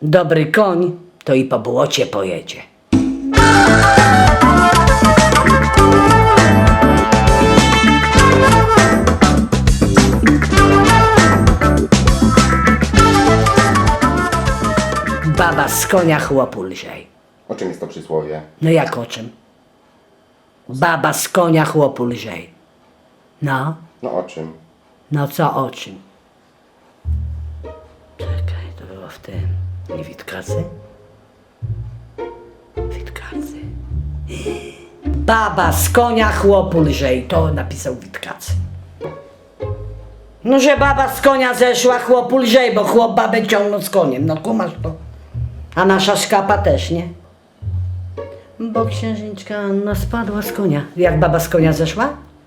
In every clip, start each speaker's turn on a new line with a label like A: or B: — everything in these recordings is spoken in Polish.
A: Dobry koń to i po błocie pojedzie. Baba z konia chłopu lżej.
B: O czym jest to przysłowie?
A: No jak o czym? Baba z konia chłopu lżej. No,
B: No o czym?
A: no co o czym? Czekaj, to było w tym. Nie Witkacy? Witkacy. Baba z konia chłopu lżej. To napisał Witkacy. No, że baba z konia zeszła, chłopu lżej, bo chłop babę ciągnął z koniem. No kumasz to. A nasza szkapa też, nie? Bo księżniczka Anna spadła z konia. Jak baba z konia zeszła?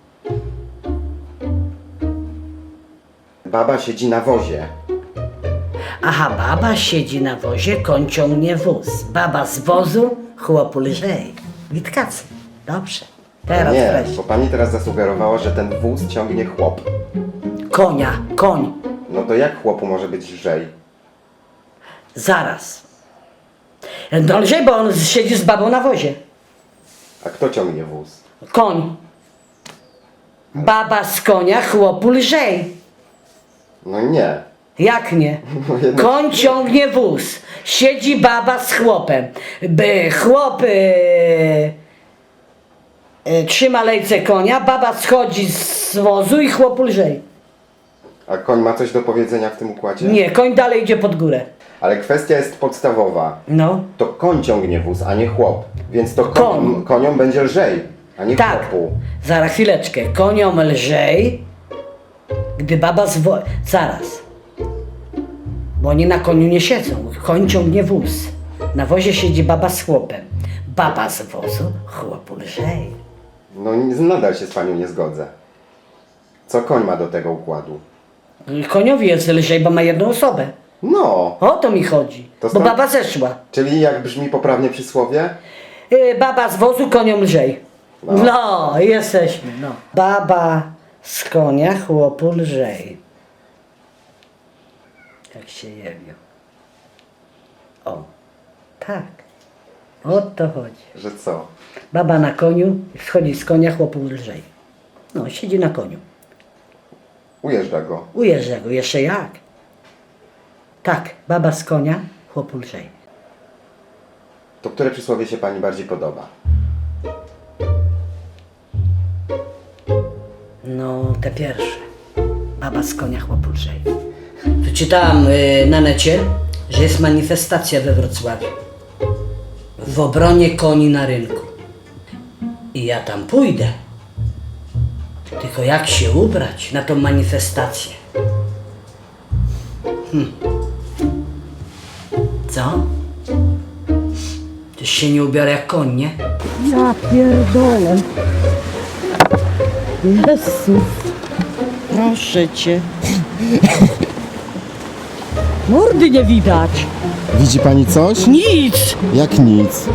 B: Baba siedzi na wozie.
A: Aha, baba siedzi na wozie, koń ciągnie wóz. Baba z wozu, chłopu lżej. Witkacy. Dobrze. Teraz
B: Nie,
A: wreszcie.
B: bo pani teraz zasugerowała, że ten wóz ciągnie chłop.
A: Konia, koń.
B: No to jak chłopu może być lżej?
A: Zaraz. No lżej, bo on siedzi z babą na wozie.
B: A kto ciągnie wóz?
A: Koń. Baba z konia, chłopu lżej.
B: No nie.
A: Jak nie? Koń ciągnie wóz. Siedzi baba z chłopem. Chłop trzyma lejce konia, baba schodzi z wozu i chłopu lżej.
B: A koń ma coś do powiedzenia w tym układzie?
A: Nie, koń dalej idzie pod górę.
B: Ale kwestia jest podstawowa.
A: No.
B: To koń ciągnie wóz, a nie chłop. Więc to
A: Koń.
B: koniom będzie lżej, a nie
A: Tak.
B: chłopu.
A: Zaraz chwileczkę. Koniom lżej, gdy baba z wozu... Zaraz. Bo oni na koniu nie siedzą. Koń ciągnie wóz. Na wozie siedzi baba z chłopem. Baba z wozu, chłopu lżej.
B: No nadal się z panią nie zgodzę. Co koń ma do tego układu?
A: Koniowi jest lżej, bo ma jedną osobę.
B: No,
A: O to mi chodzi.
B: To
A: Bo
B: stąd-
A: baba zeszła.
B: czyli jak brzmi poprawnie przysłowie?
A: Baba z wozu, koniom lżej.
B: No.
A: No, jesteśmy. No. Baba z konia, chłopu lżej. Jak się jewił. O, tak. O to chodzi.
B: Że co?
A: Baba na koniu, schodzi z konia, chłopu lżej. No, siedzi na koniu.
B: Ujeżdża go.
A: Ujeżdża go, jeszcze jak? Tak, baba z konia, chłopu lżej.
B: To które przysłowie się pani bardziej podoba?
A: No, te pierwsze. Baba z konia, chłopu lżej. Tu czytałam na necie, że jest manifestacja we Wrocławiu. W obronie koni na rynku. I ja tam pójdę. Tylko jak się ubrać na tą manifestację? Co? Też się nie ubiorę jak koń, nie?
C: Ja pierdolę. Jezus. Proszę cię. Mordy nie widać.
B: Widzi pani coś?
C: Nic.
B: Jak nic.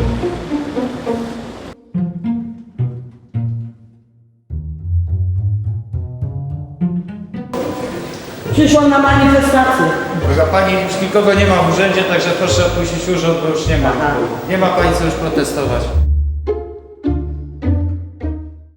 A: Przyszłam na manifestację.
D: Proszę pani, już nikogo nie ma w urzędzie, także proszę opuścić urząd, bo już nie ma.
A: Aha.
D: Nie ma pani co już protestować.